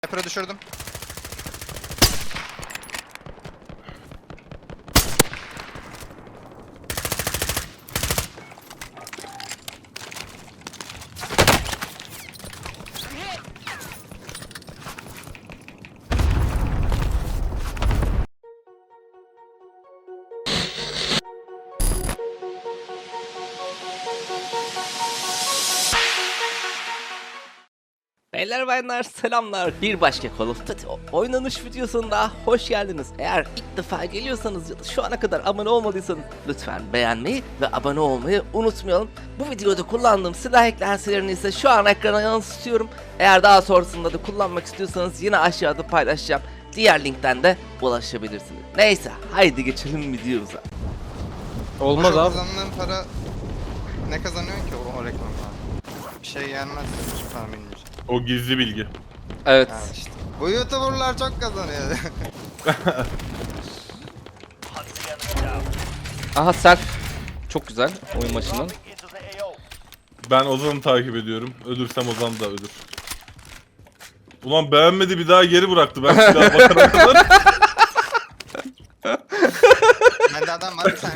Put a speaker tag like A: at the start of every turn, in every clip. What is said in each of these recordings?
A: Sniper'ı düşürdüm.
B: Beyler bayanlar selamlar. Bir başka Call of Duty oynanış videosunda hoş geldiniz. Eğer ilk defa geliyorsanız ya da şu ana kadar abone olmadıysanız lütfen beğenmeyi ve abone olmayı unutmayalım. Bu videoda kullandığım silah eklentilerini ise şu an ekrana yansıtıyorum. Eğer daha sonrasında da kullanmak istiyorsanız yine aşağıda paylaşacağım. Diğer linkten de ulaşabilirsiniz. Neyse haydi geçelim videomuza.
C: Olmaz abi.
A: Kazandığın para ne kazanıyorsun ki o reklamda? Bir şey gelmez tahminimce.
D: O gizli bilgi.
B: Evet.
A: Yani işte. Bu YouTuber'lar çok kazanıyor.
B: Aha self. Çok güzel oyun başından.
D: Ben Ozan'ı takip ediyorum. Ölürsem Ozan da ölür. Ulan beğenmedi, bir daha geri bıraktı. Ben silah bakana kadar.
A: Bende adam var, bir saniye.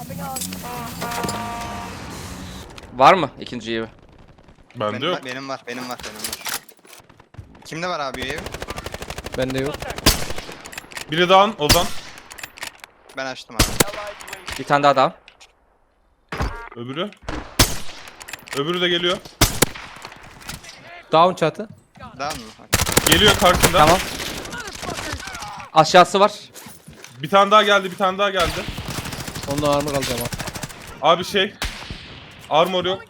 B: Var mı ikinci evi?
D: Bende yok.
A: Benim var. Kimde var abi ev?
C: Bende yok.
D: Biri daha Ozan.
A: Ben açtım abi.
B: Bir tane daha daha.
D: Öbürü. Öbürü de geliyor.
C: Down çatı.
A: Daha mı?
D: Geliyor karşında.
B: Tamam. Aşağısı var.
D: Bir tane daha geldi, bir tane daha geldi.
C: Onunla armor alacağım abi.
D: Abi şey. Armor yok.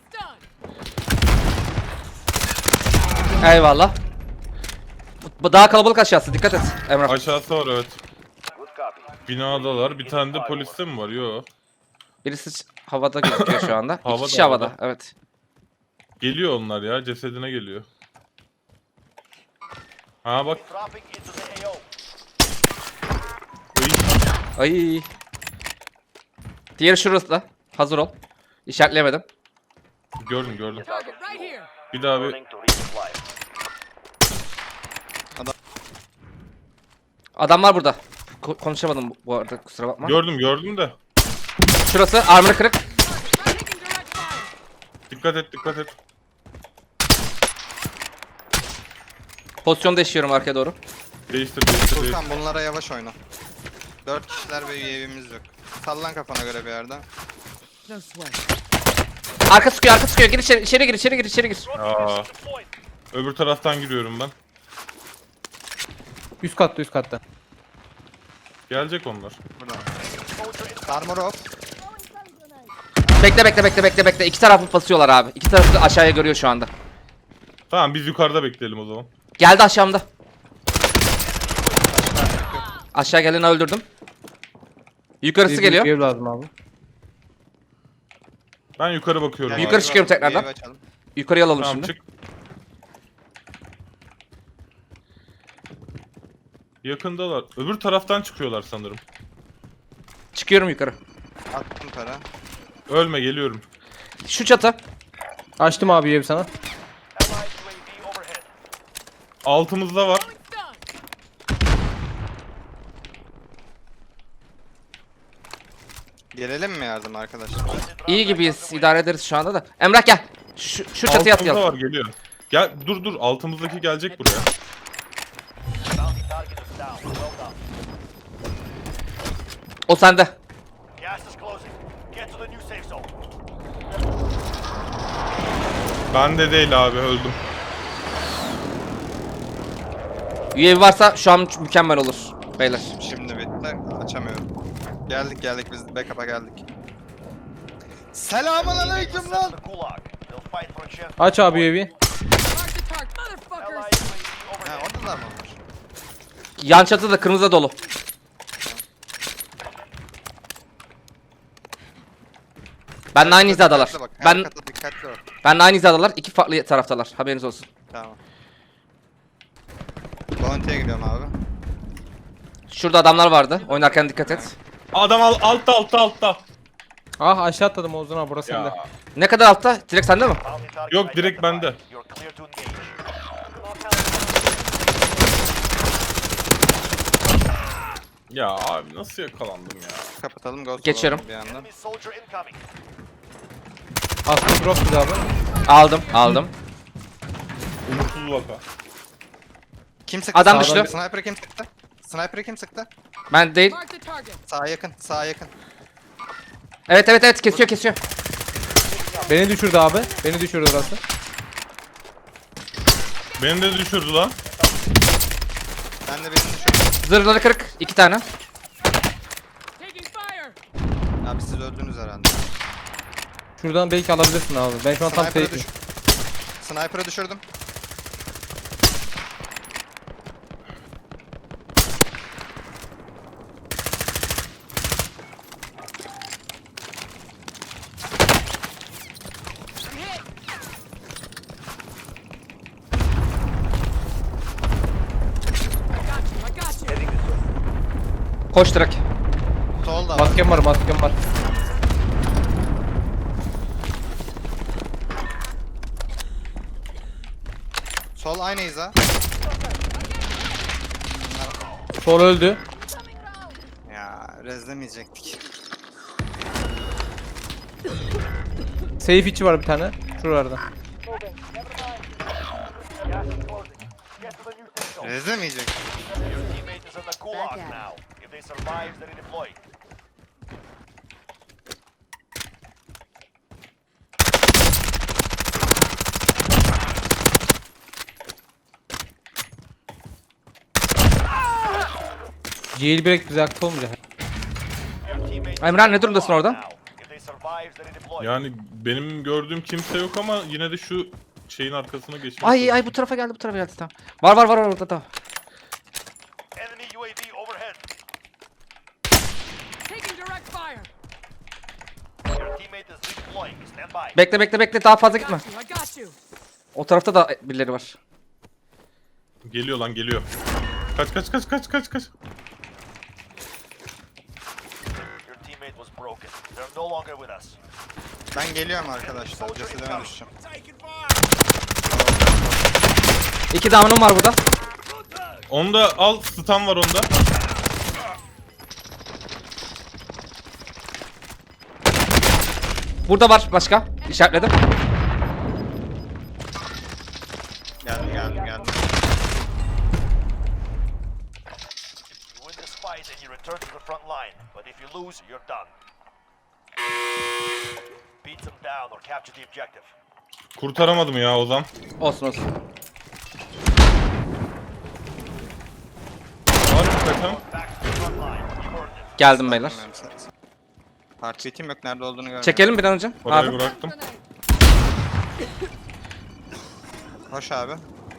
B: Eyvallah. Bu daha kalabalık aşağısı, dikkat et Emrah.
D: Aşağısı var, evet. Binadalar. Bir tane de poliste mi var? Yok.
B: Birisi havada gözüküyor şu anda.
D: Havada,
B: İki kişi havada.
D: havada.
B: Evet.
D: Geliyor onlar ya. Cesedine geliyor. Ha bak. Ay.
B: Ay. Diğeri şurası da. Hazır ol. İşaretleyemedim.
D: Gördüm. Bir daha bir.
B: Adamlar burada. Konuşamadım bu arada, kusura bakma.
D: Gördüm de.
B: Şurası armor kırık.
D: Dikkat et.
B: Pozisyon değişiyorum arkaya doğru.
D: Değiştir.
A: Furkan bunlara yavaş oyna. 4 kişiler ve üyevimiz yok. Sallan kafana göre bir yerden.
B: Arka sıkıyor. Gir içeri gir.
D: Aa. Öbür taraftan giriyorum ben.
C: Üst katta.
D: Gelecek onlar.
A: Buradan. Armor off.
B: Bekle. İki tarafı basıyorlar abi. İki tarafı da aşağıya görüyor şu anda.
D: Tamam, biz yukarıda bekleyelim o zaman.
B: Geldi aşağımda. Aşağı geleni öldürdüm. Yukarısı geliyor.
C: Ev lazım abi.
D: Ben yukarı bakıyorum.
A: Gel,
D: abi.
B: Yukarı çıkıyorum tekrardan.
A: üyevi açalım.
B: Yukarıya alalım
D: Tamam,
B: şimdi.
D: çık. Yakındalar. Öbür taraftan çıkıyorlar sanırım.
B: Çıkıyorum yukarı.
A: Attım para.
D: Ölme, geliyorum.
B: Şu çatı.
C: Açtım abi ev sana.
D: Altımızda var.
A: Gelelim mi yardım arkadaşlar?
B: İyi gibiyiz. İdare ederiz şu anda da. Emrah gel. Şu çatıya
D: Altımızda
B: atlayalım.
D: var, geliyor. Gel, dur. Altımızdaki gelecek buraya.
B: O sende.
D: Ben de değil abi, öldüm.
B: UAV varsa şu an mükemmel olur. Beyler.
A: Şimdi bitti. Açamıyorum. Geldik biz backup'a geldik. Selamünaleyküm lan.
C: Aç abi evi.
A: Ha orada da mı var?
B: Yan çatı da kırmızı dolu. Benle aynı hizadalar.
A: Dikkatli bak, her
B: Ben
A: kata dikkatli ol.
B: benle aynı hizadalar. İki farklı taraftalar. Haberiniz olsun.
A: Tamam. Bounty'ye gidiyorum abi.
B: Şurada adamlar vardı. Oynarken dikkat et.
D: Adam altta.
C: Ah aşağı atladım Ozan abi, burası sende.
D: Ya.
B: Ne kadar altta? Direkt sende mi?
D: Yok, direkt bende. Ya abi nasıl yakalandım ya?
A: Kapatalım ghost
B: Geçiyorum.
A: olalım bir yandan.
E: Enemy soldier incoming.
C: Aslında drop bizi abi.
B: Aldım.
D: Umutsuz vaka.
A: Kim sıktı?
B: Adam
A: Sağdan
C: düştü.
A: bir Sniper'ı kim sıktı? Sniper'ı kim sıktı?
B: Ben değil.
F: Mark the target.
A: Sağa yakın, sağa yakın.
B: Evet kesiyor.
C: Beni düşürdü abi. Beni düşürdü orası.
D: Beni de düşürdü lan.
A: Ben de birini düşürdüm.
B: Zırhları kırık. 2 tane.
F: Taking fire.
A: Abi siz öldünüz herhalde.
C: Şuradan belki alabilirsin abi. Ben şu an tam
A: Sniper'ı
C: safe'im.
A: Sniper'ı düşürdüm.
F: I got you.
B: Koş direkt.
A: Solda var.
C: Maskem var.
A: Sol aynı hiza.
C: Sol öldü.
A: Ya rezlemeyecektik.
C: Safe içi var bir tane. Şuralarda.
E: Get to the new safe zone.
A: Rezlemeyecektik.
E: Your teammate is in the gulag now. If they survive, they redeploy.
C: Jailbreak bize aktif olmayacak.
E: Your teammate is
B: Emrah,
E: in
B: ne
E: the
B: durumdasın
E: gulag
B: orada?
E: now. If they survive, they redeploy.
D: Yani benim gördüğüm kimse yok ama yine de şu şeyin arkasına geçmek.
B: Ay bu tarafa geldi tamam. Var orada tamam.
E: Enemy UAV overhead.
F: Taking direct fire.
E: Your teammate is redeploying. Stand by.
B: Bekle daha fazla gitme.
F: I got you.
B: O tarafta da birileri var.
D: Geliyor lan geliyor. Kaç.
E: Your teammate was broken. They're no longer with us.
A: Ben geliyorum arkadaşlar. Cesedime düşeceğim.
B: 2 down'um var burada.
D: Onda al, stun var onda.
B: Burada var başka. İşaretledim.
A: Geldim.
E: You win this fight and you return to the front line. But if you lose, you're done. Beat them down or capture the objective.
D: Kurtaramadım ya Ozan.
B: Olsun.
D: Var mı kaçan?
E: Back to the front line. You earned it.
B: Geldim beyler.
A: Heartbeat'im yok. Nerede olduğunu görmüyorum.
B: Çekelim bir an önce.
D: Parayı
B: Abi.
D: bıraktım.
A: Hoş abi.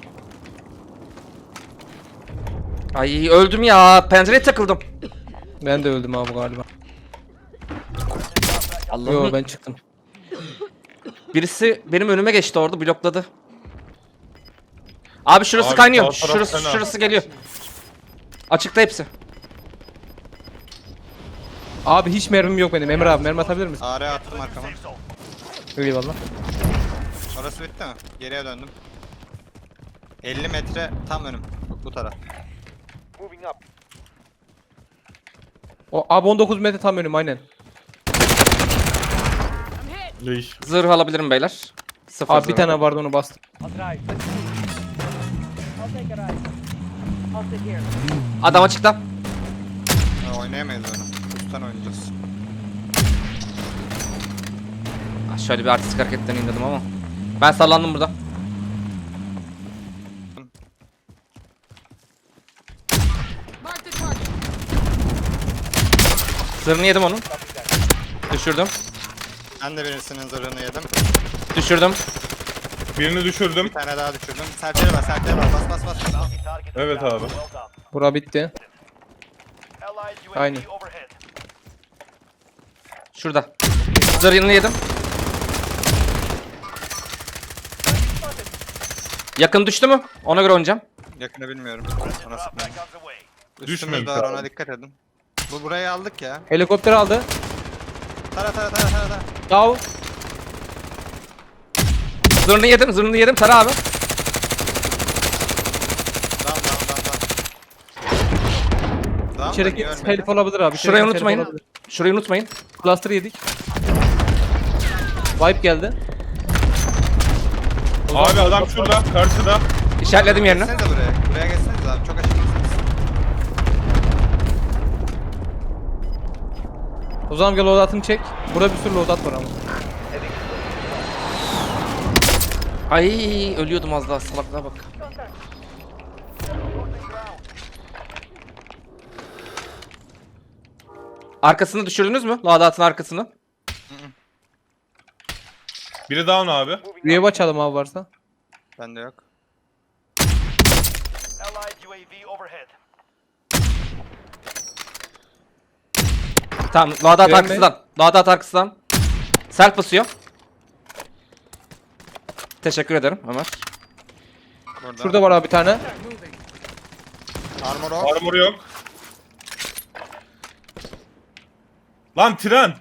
B: Ay öldüm ya. Pencereye takıldım.
C: Ben de öldüm abi galiba.
B: Allah'ım.
C: Yo ben çıktım.
B: Birisi benim önüme geçti orada blokladı. Abi şurası
D: Abi,
B: kaynıyor.
D: sağ taraf fena.
B: Şurası geliyor. Açıkta hepsi.
C: Abi hiç mermim yok benim. Emre abi mermi atabilir misin?
A: AR attım arkama.
E: Safe zone.
C: Eyvallah.
A: Orası bitti mi? Geriye döndüm. 50 metre tam önüm. Bu taraf.
E: Moving up.
C: O abi 19 metre tam önüm aynen.
F: I'm hit.
D: Leş.
B: Zırh alabilirim beyler. Sıfır
C: Abi bir
B: zırh.
C: tane vardı onu bastım.
B: Adam açıkta.
A: Ha, oynayamayız onu. Üstten oynayacağız.
B: Ah, şöyle bir artistik hareketleneyim dedim ama. Ben sallandım burada.
F: Mark the target.
B: Zırhını yedim onun. Düşürdüm.
A: Ben de birisinin zırhını yedim.
B: Düşürdüm.
D: Birini düşürdüm.
A: Bir tane daha düşürdüm. Serçeli var. Bas.
E: Bounty target is
D: Evet
E: down.
D: abi.
E: Well done.
C: Bura bitti.
E: Allied UAV
C: Aynen.
E: overhead.
B: Şurada. Zırhını yedim. Yakın düştü mü? Ona göre oynayacağım.
A: Yakını bilmiyorum. Ona
E: Drop
A: sıkmayın.
E: back on the way.
A: Üstümüzde
D: Düşmemiş
A: var,
D: abi.
A: ona dikkat edin. Burayı aldık ya.
C: Helikopter aldı.
A: Tara.
C: Yav.
B: Zırhını yedim. Tara abi.
A: Down. Tamam,
C: İçeriki
A: niye ölmedi?
C: telif olabilir abi.
B: Şurayı
C: içeriki telif
B: unutmayın.
C: olabilir.
B: Şurayı unutmayın.
C: Cluster yedik. Wipe geldi.
D: Abi adam şurada, karşıda.
B: İşaretledim yerini.
A: Geçsenize buraya. Buraya geçsenize abi. Çok açıksınız.
C: O zaman gel loadout'ını çek. Burada bir sürü loadout var ama.
B: Ay ölüyordum az daha, salaklığa bak. Arkasını düşürdünüz mü? Loadout'un arkasını.
D: Biri down abi.
C: Üyeyi açalım abi varsa.
A: Bende yok.
E: Allied UAV overhead.
B: Tamam, loadout
C: Gömme.
B: arkasından. Loadout arkasından. Self basıyor. Teşekkür ederim Ömer.
A: Burada.
C: Şurada var abi bir tane.
F: Moving.
A: Armor off.
D: Armor yok. Lan tren.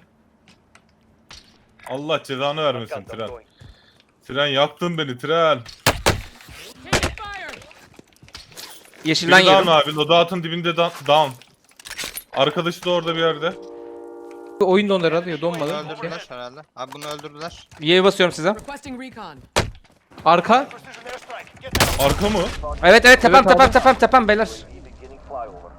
D: Allah cezanı vermesin tren. Tren yaktın beni tren.
F: Taking fire.
B: Yeşilden
D: Biri down
B: yedim.
D: abi. Loadout'un dibinde down. Arkadaşı da orada bir yerde.
C: Oyun dondu herhalde ya
A: Bunu
C: donmadı.
A: öldürdüler herhalde. Abi bunu öldürdüler.
B: Y'ye basıyorum size.
F: Requesting recon.
C: Arka.
E: Precision airstrike. Get down.
D: Arka mı?
B: Evet evet, tepem
C: Evet abi.
B: tepem tepem tepem beyler.
E: Beginning flyover.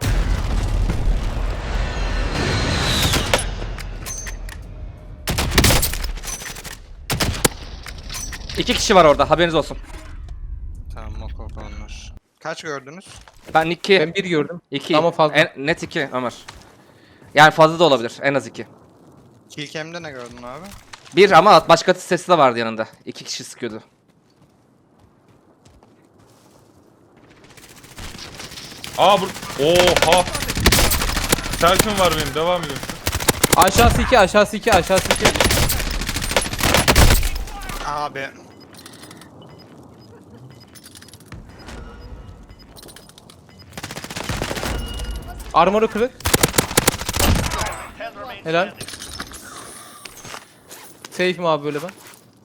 B: İki kişi var orada, haberiniz olsun.
A: Tamam ok onlar. Kaç gördünüz?
B: Ben iki.
C: Ben bir gördüm.
B: İki.
C: Ama fazla.
B: Net iki Ömer. Yani fazla da olabilir, en az iki.
A: Killcam'de ne gördün abi?
B: Bir ama başka sesi de vardı yanında. İki kişi sıkıyordu.
D: Aa oha. Selfie'm var benim. Devam edin.
C: Aşağısı 2, aşağısı 2, aşağısı 2.
A: Abi.
C: Armoru kırık.
E: 10 remain
C: Helal.
E: standing.
C: Safe'im abi böyle ben.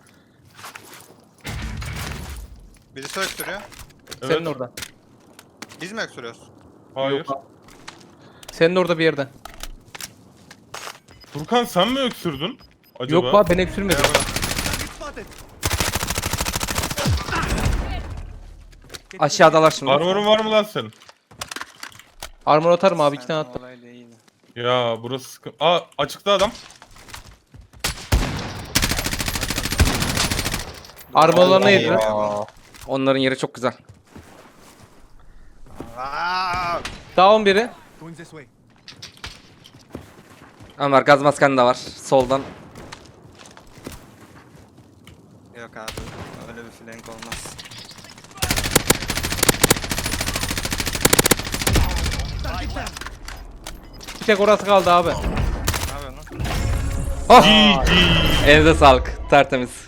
A: Birisi öksürüyor.
D: Evet.
C: Senin orada.
A: Biz mi öksürüyoruz?
D: Hayır.
C: Senin orada bir yerde.
D: Furkan sen mi öksürdün? Acaba?
C: Yok abi ben öksürmedim.
B: Aşağıdalar şimdi.
D: Armorun var mı lan senin?
C: Armor atarım abi 2 tane attım.
A: Olay değil.
D: Ya burası sıkıntı. Aa açıkta adam.
C: Armorlarına yediler.
B: Onların yeri çok güzel.
A: Aa!
C: Down biri.
B: Ömer gaz masken de var. Soldan.
A: Yok abi. Öyle bir flank olmaz.
C: Bir tek orası kaldı abi.
A: Ne yapıyorsun lan?
B: Oh!
D: GG.
B: Elinize sağlık. Tertemiz.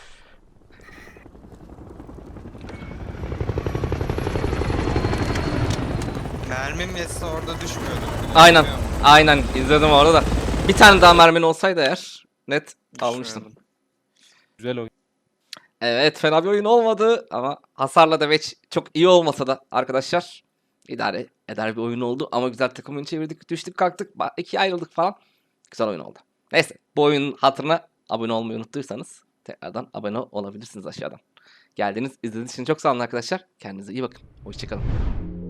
A: Mermim yetse orada düşmüyordu.
B: Aynen.
A: Düşmüyor mu?
B: Aynen. İzledim orada da. Bir tane daha mermin olsaydı eğer net almıştım.
A: Düşmüyordum.
C: Güzel oyun.
B: Evet, fena bir oyun olmadı ama hasarla da çok iyi olmasa da arkadaşlar idare eder bir oyun oldu ama güzel takım oyunu çevirdik, düştük kalktık, ikiye ayrıldık falan. Güzel oyun oldu. Neyse, bu oyunun hatırına abone olmayı unuttuysanız tekrardan abone olabilirsiniz aşağıdan. Geldiğiniz, izlediğiniz için çok sağ olun arkadaşlar. Kendinize iyi bakın. Hoşçakalın.